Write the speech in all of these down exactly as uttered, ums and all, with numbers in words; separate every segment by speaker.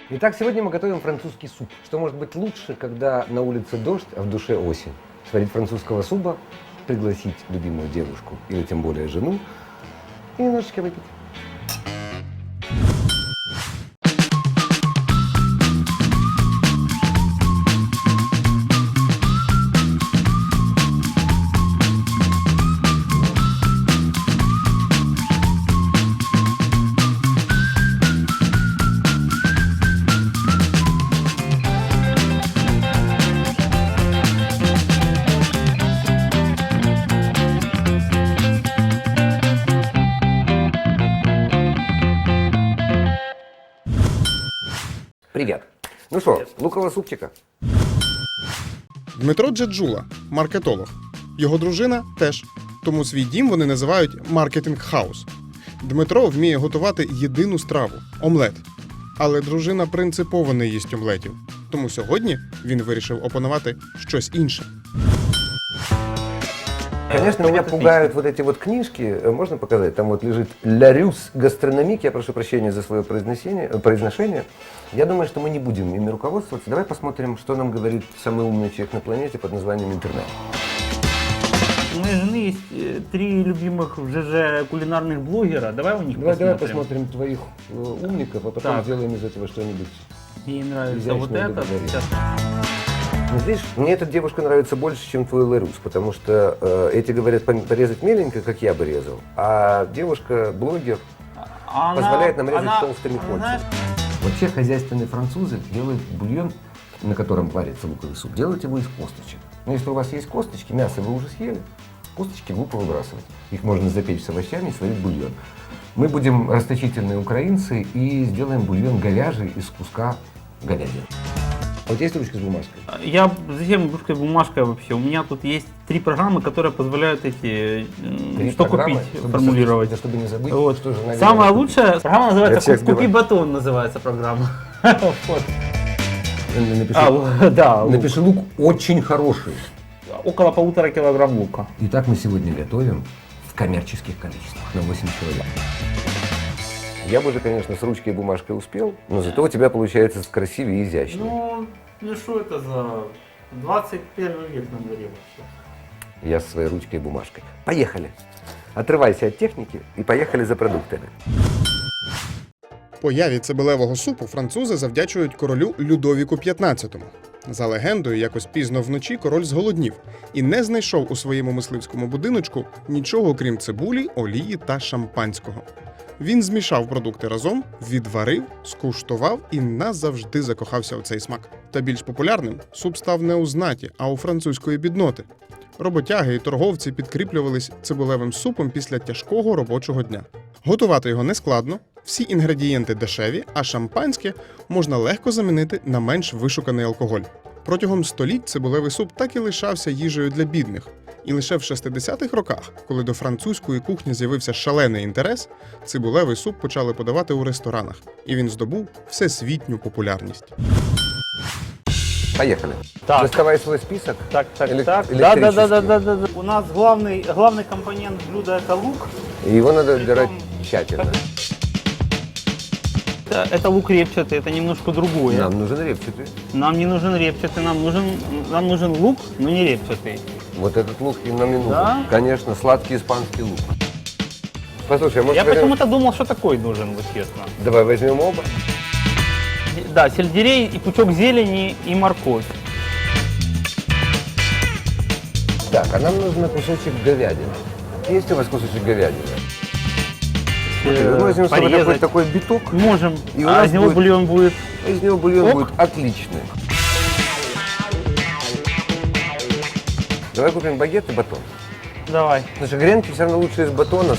Speaker 1: Итак, сегодня мы готовим французский суп. Что может быть лучше, когда на улице дождь, а в душе осень? Сварить французского супа, пригласить любимую девушку или тем более жену и немножечко выпить. Привет. Ну що, лукового супчика?
Speaker 2: Дмитро Джеджула – маркетолог. Його дружина теж. Тому свій дім вони називають маркетинг-хаус. Дмитро вміє готувати єдину страву – омлет. Але дружина принципово не їсть омлетів. Тому сьогодні він вирішив опанувати щось інше.
Speaker 1: Конечно, меня пугают вот эти вот книжки, можно показать? Там вот лежит «Ларюс гастрономик», я прошу прощения за свое произношение. произношение. Я думаю, что мы не будем ими руководствоваться. Давай посмотрим, что нам говорит самый умный человек на планете под названием интернет.
Speaker 3: У моей жены есть три любимых в ЖЖ кулинарных блогера. Давай у них
Speaker 1: Давай,
Speaker 3: посмотрим.
Speaker 1: давай посмотрим твоих э, умников, а потом
Speaker 3: Так.
Speaker 1: сделаем из этого что-нибудь.
Speaker 3: Ей нравится
Speaker 1: изящное
Speaker 3: вот
Speaker 1: и
Speaker 3: это.
Speaker 1: договорить.
Speaker 3: Сейчас.
Speaker 1: Ну, видишь, мне эта девушка нравится больше, чем твой Ларюс, потому что э, эти говорят пом- порезать меленько, как я бы резал, а девушка, блогер,
Speaker 3: А она-
Speaker 1: позволяет нам резать
Speaker 3: она-
Speaker 1: толстыми
Speaker 3: она,
Speaker 1: кольцами.
Speaker 3: знаешь,
Speaker 1: Вообще хозяйственные французы делают бульон, на котором варится луковый суп, делают его из косточек. Но если у вас есть косточки, мясо вы уже съели, косточки глупо выбрасывать. Их можно запечь с овощами и сварить бульон. Мы будем расточительные украинцы и сделаем бульон говяжий из куска говядины. А вот есть ручка с бумажкой?
Speaker 3: Я зачем русской бумажкой вообще? У меня тут есть три программы, которые позволяют эти м,
Speaker 1: Три
Speaker 3: что
Speaker 1: программы,
Speaker 3: купить,
Speaker 1: чтобы
Speaker 3: формулировать.
Speaker 1: забыть, чтобы не забыть,
Speaker 3: Вот.
Speaker 1: что же надо
Speaker 3: Самая
Speaker 1: купить.
Speaker 3: лучшая программа
Speaker 1: Я
Speaker 3: называется
Speaker 1: всех
Speaker 3: «Купи
Speaker 1: сбиваю.
Speaker 3: батон» называется программа. Вот.
Speaker 1: Напиши,
Speaker 3: А, л- да, лук.
Speaker 1: напиши лук очень хороший.
Speaker 3: Около полутора килограмм лука.
Speaker 1: Итак, мы сегодня готовим в коммерческих количествах на восемь человек. Я бы уже, конечно, с ручкой и бумажкой успел, но зато у тебя получается красивее и изящнее.
Speaker 3: Ну, ну что это за двадцать первый век на дворе вообще?
Speaker 1: Я со своей ручкой и бумажкой. Поехали! Отрывайся от техники и поехали за продуктами.
Speaker 2: Появі цибулевого супу французи завдячують королю Людовіку п'ятнадцятому. За легендою, якось пізно вночі король зголоднів і не знайшов у своєму мисливському будиночку нічого крім цибулі, олії та шампанського. Він змішав продукти разом, відварив, скуштував і назавжди закохався у цей смак. Та більш популярним суп став не у знаті, а у французької бідноти. Роботяги і торговці підкріплювались цибулевим супом після тяжкого робочого дня. Готувати його нескладно, всі інгредієнти дешеві, а шампанське можна легко замінити на менш вишуканий алкоголь. Протягом століть цибулевий суп так і лишався їжею для бідних. І лише в шестидесятих роках, коли до французької кухні з'явився шалений інтерес, цибулевий суп почали подавати у ресторанах, і він здобув всесвітню популярність.
Speaker 1: Поехали.
Speaker 3: Так.
Speaker 1: Доставай свой список.
Speaker 3: Так, так,
Speaker 1: Элек-
Speaker 3: так. Да, да, да, да,
Speaker 1: электрический.
Speaker 3: да, да, да. У нас главный, главный компонент блюда это лук.
Speaker 1: И его надо отбирать
Speaker 3: Притом-
Speaker 1: тщательно.
Speaker 3: Это, это лук репчатый, это немножко другое.
Speaker 1: Нам нужен репчатый.
Speaker 3: Нам не нужен репчатый, нам нужен, нам нужен лук, но не репчатый.
Speaker 1: Вот этот лук и нам не нужен.
Speaker 3: Да?
Speaker 1: Конечно, сладкий испанский лук. Послушай, а может
Speaker 3: Я
Speaker 1: возьмем-
Speaker 3: почему-то думал, что такой нужен, вот честно.
Speaker 1: Давай возьмем оба.
Speaker 3: Да, сельдерей и пучок зелени и морковь.
Speaker 1: Так, а нам нужен кусочек говядины. Есть у вас кусочек говядины?
Speaker 3: Э,
Speaker 1: Мы возьмем с собой
Speaker 3: порезать.
Speaker 1: такой, такой биток,
Speaker 3: Можем.
Speaker 1: И у
Speaker 3: а
Speaker 1: нас
Speaker 3: из него
Speaker 1: будет-
Speaker 3: бульон будет.
Speaker 1: из него бульон
Speaker 3: Ок.
Speaker 1: будет отличный. Давай купим багет и батон.
Speaker 3: Давай.
Speaker 1: Слушай, гренки все равно лучше из батона.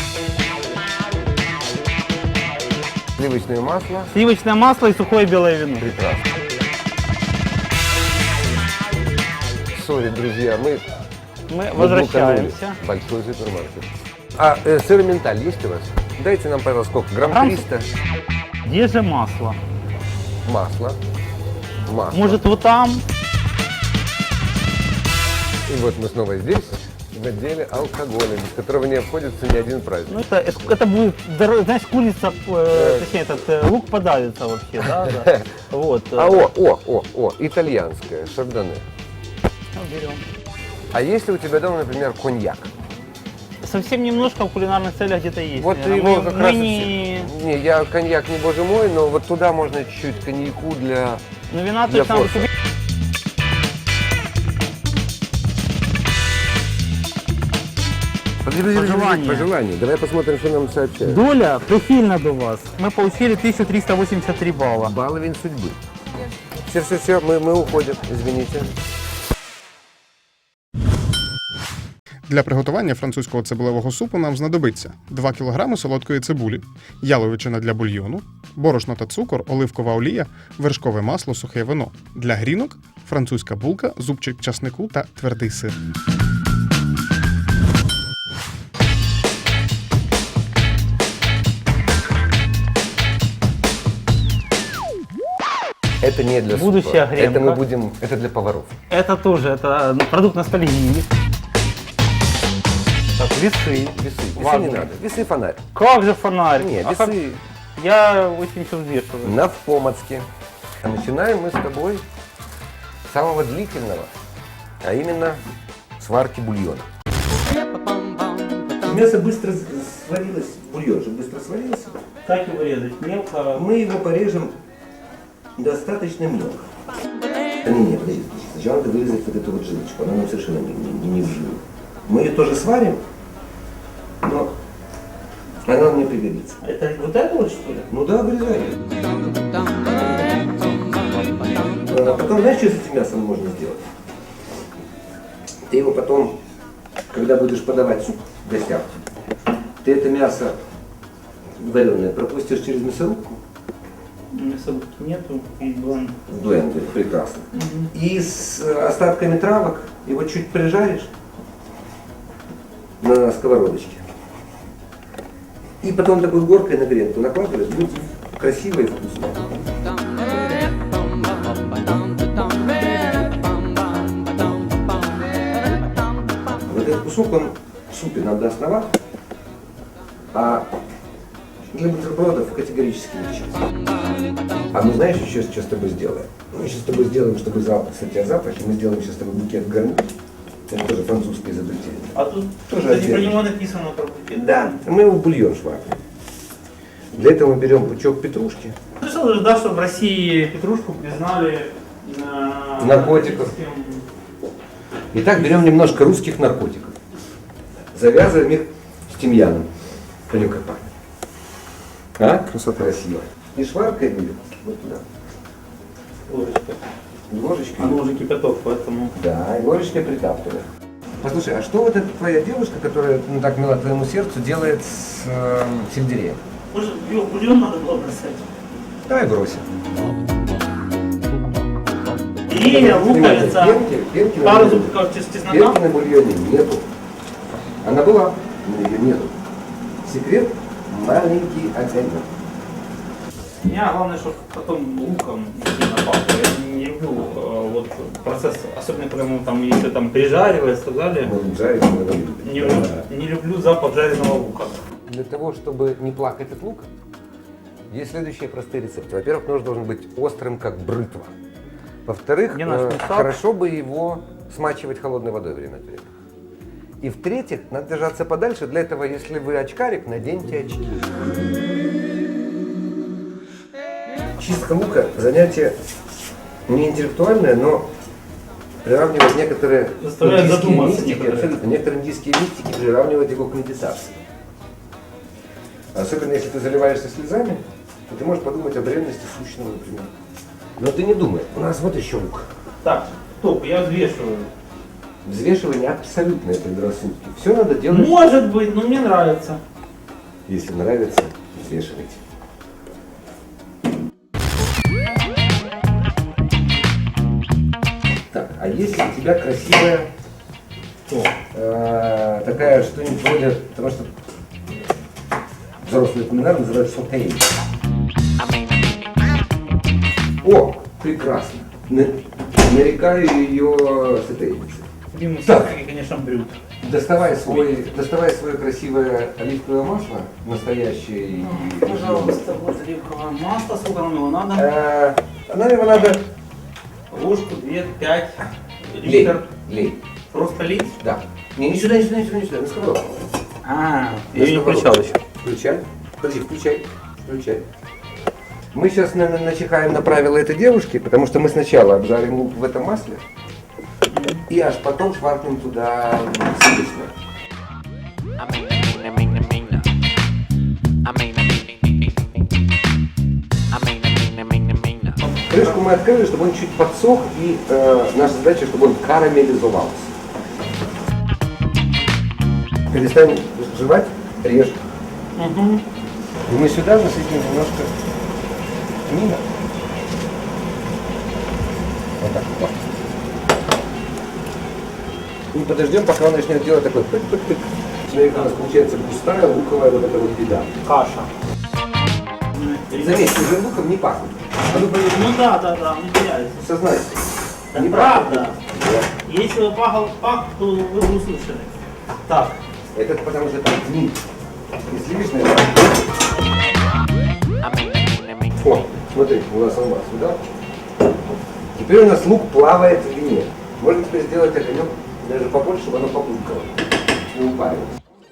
Speaker 1: Сливочное масло.
Speaker 3: Сливочное масло и сухое белое вино.
Speaker 1: Прекрасно. Сори, друзья, мы
Speaker 3: Мы
Speaker 1: мы
Speaker 3: возвращаемся.
Speaker 1: блуканули. Большой супермаркет. А э, сыр менталь есть у вас? Дайте нам, пожалуйста, сколько? Грамм
Speaker 3: Грамм
Speaker 1: триста.
Speaker 3: Где же масло?
Speaker 1: Масла. Масло.
Speaker 3: Может, вот там?
Speaker 1: И вот мы снова здесь. в отделе алкоголя, без которого не обходится ни один праздник.
Speaker 3: Ну, это, это, это будет, дор- знаешь, курица, э, точнее, этот э, лук подавится вообще, да? да. Вот. э,
Speaker 1: А о, о, о, о, итальянское, шардоне.
Speaker 3: ну, берем.
Speaker 1: А если у тебя дома, например, коньяк?
Speaker 3: Совсем немножко в кулинарных целях где-то есть.
Speaker 1: Вот
Speaker 3: наверное.
Speaker 1: его
Speaker 3: мы,
Speaker 1: как
Speaker 3: мы
Speaker 1: раз...
Speaker 3: не...
Speaker 1: Не, я коньяк не боже мой, но вот туда можно чуть-чуть коньяку для...
Speaker 3: Ну, вина
Speaker 1: Для
Speaker 3: точно надо
Speaker 1: форса.
Speaker 3: купить.
Speaker 1: Подожди, подожди, подожди,
Speaker 3: Пожелания.
Speaker 1: Пожелания. Давай посмотрим, что нам сообщают.
Speaker 3: Доля прихильна до вас. Мы получили тысячу триста восемьдесят три балла.
Speaker 1: Баловень судьбы. Все, все, все, мы, мы уходим, извините.
Speaker 2: Для приготування французького цибулевого супу нам знадобиться два кілограми солодкої цибулі, яловичина для бульйону, борошно та цукор, оливкова олія, вершкове масло, сухе вино. Для грінок – французька булка, зубчик часнику та твердий сир.
Speaker 1: Это не для супа.
Speaker 3: Будущая гренка.
Speaker 1: Это мы будем, это для поваров.
Speaker 3: Это тоже, это продукт ностальгии. Так, весы.
Speaker 1: Весы, весы
Speaker 3: Важно.
Speaker 1: не надо. Весы фонарь.
Speaker 3: Как же фонарь?
Speaker 1: Нет,
Speaker 3: А как-
Speaker 1: весы
Speaker 3: Я очень все взвешиваю.
Speaker 1: на Помацке. А начинаем мы с тобой с самого длительного, а именно сварки бульона. Мясо быстро сварилось, бульон же быстро сварился.
Speaker 3: Как его резать? Мелко?
Speaker 1: Мы его порежем достаточно мелко. Не, не, подожди, подожди. Сначала надо вырезать вот эту вот жилочку, она нам совершенно не, не, не в жилу. Мы ее тоже сварим, но она нам не пригодится.
Speaker 3: Это вот это вот что ли?
Speaker 1: Ну да, вырезай ее. А потом, знаешь, что с этим мясом можно сделать? Ты его потом, когда будешь подавать суп в гостях, ты это мясо вареное пропустишь через мясорубку,
Speaker 3: Мясорубки нету, и блан.
Speaker 1: в блендере, прекрасно. И с э, остатками травок его чуть прижаришь на сковородочке. И потом такой горкой на гренку накладываешь, будет красиво и вкусно. Вот этот кусок, он в супе нам даст на ват, а для бутербродов категорически не сейчас. А мы знаешь еще что с тобой сделаем? Мы сейчас с тобой сделаем, чтобы запах, кстати, о запахе, мы сделаем сейчас с тобой букет гарнир. Это тоже французское изобретение.
Speaker 3: А тут,
Speaker 1: Тоже
Speaker 3: кстати, про
Speaker 1: отдельно.
Speaker 3: него написано про букет.
Speaker 1: Да, мы его в бульон шварим. Для этого мы берем пучок петрушки.
Speaker 3: Слышал же, да, что в России петрушку признали э,
Speaker 1: Наркотиков. Итак, берем немножко русских наркотиков. Завязываем их с тимьяном. Понюхай, как пахнет. А? Красота. Красиво. И шваркаем ее вот туда.
Speaker 3: Ложечка.
Speaker 1: Ложечкой.
Speaker 3: А ну уже кипяток, поэтому...
Speaker 1: Да, и ложечкой притаптываем. Послушай, а что вот эта твоя девушка, которая ну, так мила твоему сердцу, делает с э, сельдереем?
Speaker 3: Может, его в бульон надо было бросать?
Speaker 1: Давай бросим.
Speaker 3: И луковица.
Speaker 1: Пенки, пенки на
Speaker 3: Пару
Speaker 1: бульоне.
Speaker 3: зубков чес- чеснока.
Speaker 1: Пенки на бульоне нету. Она была, но ее нету. Секрет – маленький огонек.
Speaker 3: Меня главное, чтобы потом луком не сильно пахло. Я не люблю э, вот процесс, особенно когда он там еще там прижаривается и так далее.
Speaker 1: Может жарить, но не любит.
Speaker 3: Не, лю- не люблю запах жареного лука.
Speaker 1: Для того, чтобы не плакать от лука, есть следующие простые рецепты. Во-первых, нож должен быть острым, как бритва. Во-вторых,
Speaker 3: Где наш
Speaker 1: э,
Speaker 3: мусак?
Speaker 1: хорошо бы его смачивать холодной водой время от времени. И в-третьих, надо держаться подальше. Для этого, если вы очкарик, наденьте очки. Чистка лука – занятие не интеллектуальное, но приравнивает некоторые
Speaker 3: Заставляет
Speaker 1: индийские
Speaker 3: задуматься
Speaker 1: мистики,
Speaker 3: некоторые.
Speaker 1: абсолютно, некоторые индийские мистики приравнивают его к медитации. Особенно если ты заливаешься слезами, то ты можешь подумать о бренности сущного, например. Но ты не думай, у нас вот еще лук.
Speaker 3: Так, стоп, я взвешиваю.
Speaker 1: Взвешивание абсолютные предрассудки. Все надо делать,
Speaker 3: Может быть, но мне нравится.
Speaker 1: если нравится, взвешивайте. Так, а если у тебя красивая,
Speaker 3: Что?
Speaker 1: э, такая что-нибудь вроде того, что взрослые кулинары называют сотейн. О, прекрасно. На- нарекаю ее сотейницей.
Speaker 3: Дима,
Speaker 1: Так.
Speaker 3: все-таки, конечно, брют.
Speaker 1: Доставай, свой, доставай свое красивое оливковое масло, настоящее. и-
Speaker 3: Пожалуйста, вот оливковое масло. Сколько нам его надо?
Speaker 1: Э, Нам его надо
Speaker 3: Ложку, две, пять,
Speaker 1: лей.
Speaker 3: литр.
Speaker 1: Лей.
Speaker 3: Просто лить?
Speaker 1: Да. Не, не сюда, не сюда, не сюда, не сюда, на сковородку.
Speaker 3: А,
Speaker 1: На
Speaker 3: я не
Speaker 1: сковородку.
Speaker 3: включал еще.
Speaker 1: Включай. Подожди, включай. Включай. Мы сейчас на- на- начихаем на правила этой девушки, потому что мы сначала обжарим лук в этом масле, и аж потом шваркнем туда сливочное.
Speaker 4: I mean, I mean, I mean, I mean, I mean, I mean, I mean, I mean, I mean.
Speaker 1: Крышку мы открыли, чтобы он чуть подсох, и э, наша задача, чтобы он карамелизовался. Перестань жевать, режь.
Speaker 3: Угу.
Speaker 1: И мы сюда насыпем немножко мина. Вот так вот. И подождем, пока он начнет делать такой пык-пык-пык. Смотрите, у нас получается густая луковая вот эта вот беда.
Speaker 3: Каша.
Speaker 1: Заметь, уже луком не пахнет. А ну поверь,
Speaker 3: Ну да, да, да, он теряется.
Speaker 1: сознайся.
Speaker 3: Да
Speaker 1: Не
Speaker 3: правда.
Speaker 1: Да.
Speaker 3: Если бы пахал пах, то вы бы услышали. Так.
Speaker 1: Это потому что там мин. И сливочное.
Speaker 4: I mean, I mean, I mean.
Speaker 1: О, смотри, у нас он сюда. Теперь у нас лук плавает в вине. Можно теперь сделать огонек даже побольше, чтобы оно побулькало. Не упарилось.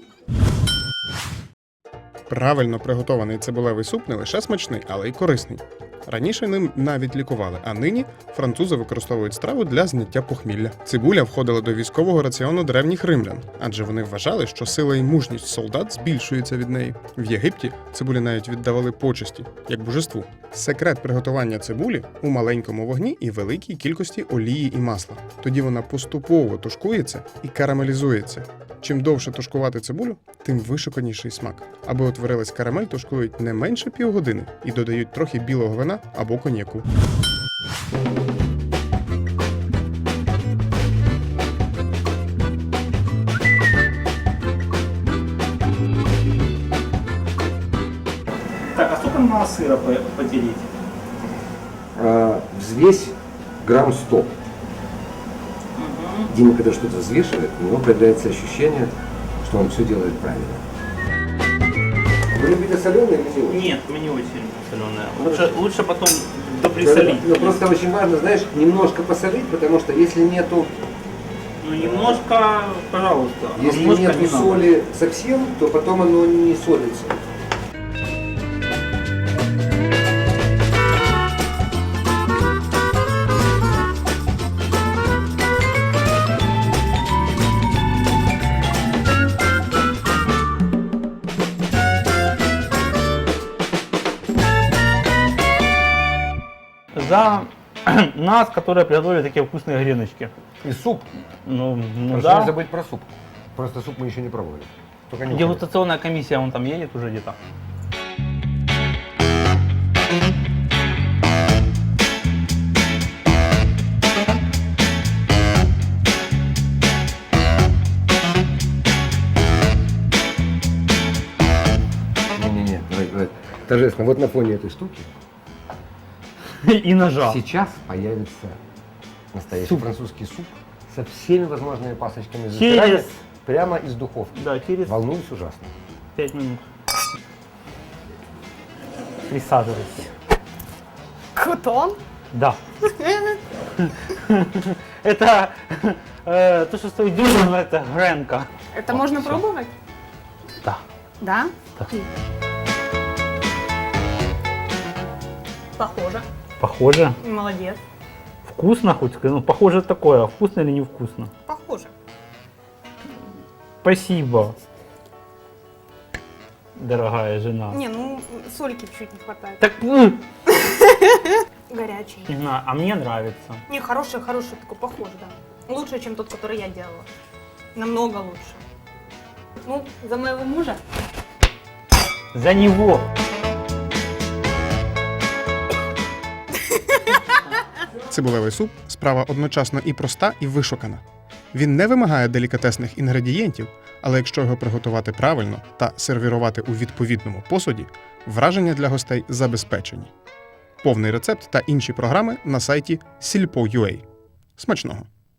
Speaker 2: Правильно приготований цибулевий суп не лише смачний, але й корисний. Раніше ним навіть лікували, а нині французи використовують страву для зняття похмілля. Цибуля входила до військового раціону древніх римлян, адже вони вважали, що сила і мужність солдат збільшується від неї. В Єгипті цибулі навіть віддавали почесті, як божеству. Секрет приготування цибулі у маленькому вогні і великій кількості олії і масла. Тоді вона поступово тушкується і карамелізується. Чим довше тушкувати цибулю, тим вишуканіший смак. Аби утворилась карамель, тушкують не менше півгодини і додають трохи білого вина або коньяку.
Speaker 3: Так, а сколько надо сыра по- потереть?
Speaker 1: А, взвесь грамм сто. Дима, когда что-то взвешивает, у него появляется ощущение, что он все делает правильно. Вы любите соленые или не очень?
Speaker 3: Нет, мы не очень соленая. Лучше, лучше потом доприсолить.
Speaker 1: Ну, просто очень важно, знаешь, немножко посолить, потому что если нету,
Speaker 3: Ну немножко, пожалуйста. а
Speaker 1: если
Speaker 3: немножко
Speaker 1: нету
Speaker 3: не надо.
Speaker 1: соли совсем, то потом оно не солится.
Speaker 3: За нас, которые приготовили такие вкусные греночки.
Speaker 1: И суп.
Speaker 3: Ну, ну
Speaker 1: Просто не
Speaker 3: да.
Speaker 1: забыть про суп. Просто суп мы еще не пробовали. Только не
Speaker 3: Дегустационная комиссия, он там едет уже где-то.
Speaker 1: Не-не-не, давай, давай. Торжественно. Вот на фоне этой штуки
Speaker 3: И ножа.
Speaker 1: сейчас появится настоящий
Speaker 3: Суп.
Speaker 1: французский суп со всеми возможными пасочками
Speaker 3: Через-
Speaker 1: засирания прямо из духовки.
Speaker 3: Да, через
Speaker 1: Волнуюсь ужасно.
Speaker 3: пять минут. Присаживайтесь.
Speaker 5: Крутон?
Speaker 3: Да. Это э, то, что стоит дюжину, это гренка.
Speaker 5: Это
Speaker 1: О,
Speaker 5: можно
Speaker 1: всё.
Speaker 5: пробовать?
Speaker 3: Да.
Speaker 5: Да?
Speaker 3: Да.
Speaker 5: Похоже.
Speaker 3: Похоже.
Speaker 5: Молодец.
Speaker 3: Вкусно хоть? Ну, похоже такое. А вкусно или невкусно?
Speaker 5: Похоже.
Speaker 3: Спасибо, дорогая жена.
Speaker 5: Не, ну сольки чуть не хватает.
Speaker 3: Так, м,
Speaker 5: Горячий.
Speaker 3: не знаю, а мне нравится.
Speaker 5: Не, хороший, хороший такой, похож, да. Лучше, чем тот, который я делала. Намного лучше. Ну, за моего мужа.
Speaker 3: За него.
Speaker 2: Цибулевий суп – справа одночасно і проста, і вишукана. Він не вимагає делікатесних інгредієнтів, але якщо його приготувати правильно та сервірувати у відповідному посуді, враження для гостей забезпечені. Повний рецепт та інші програми на сайті сільпо крапка ю а. Смачного!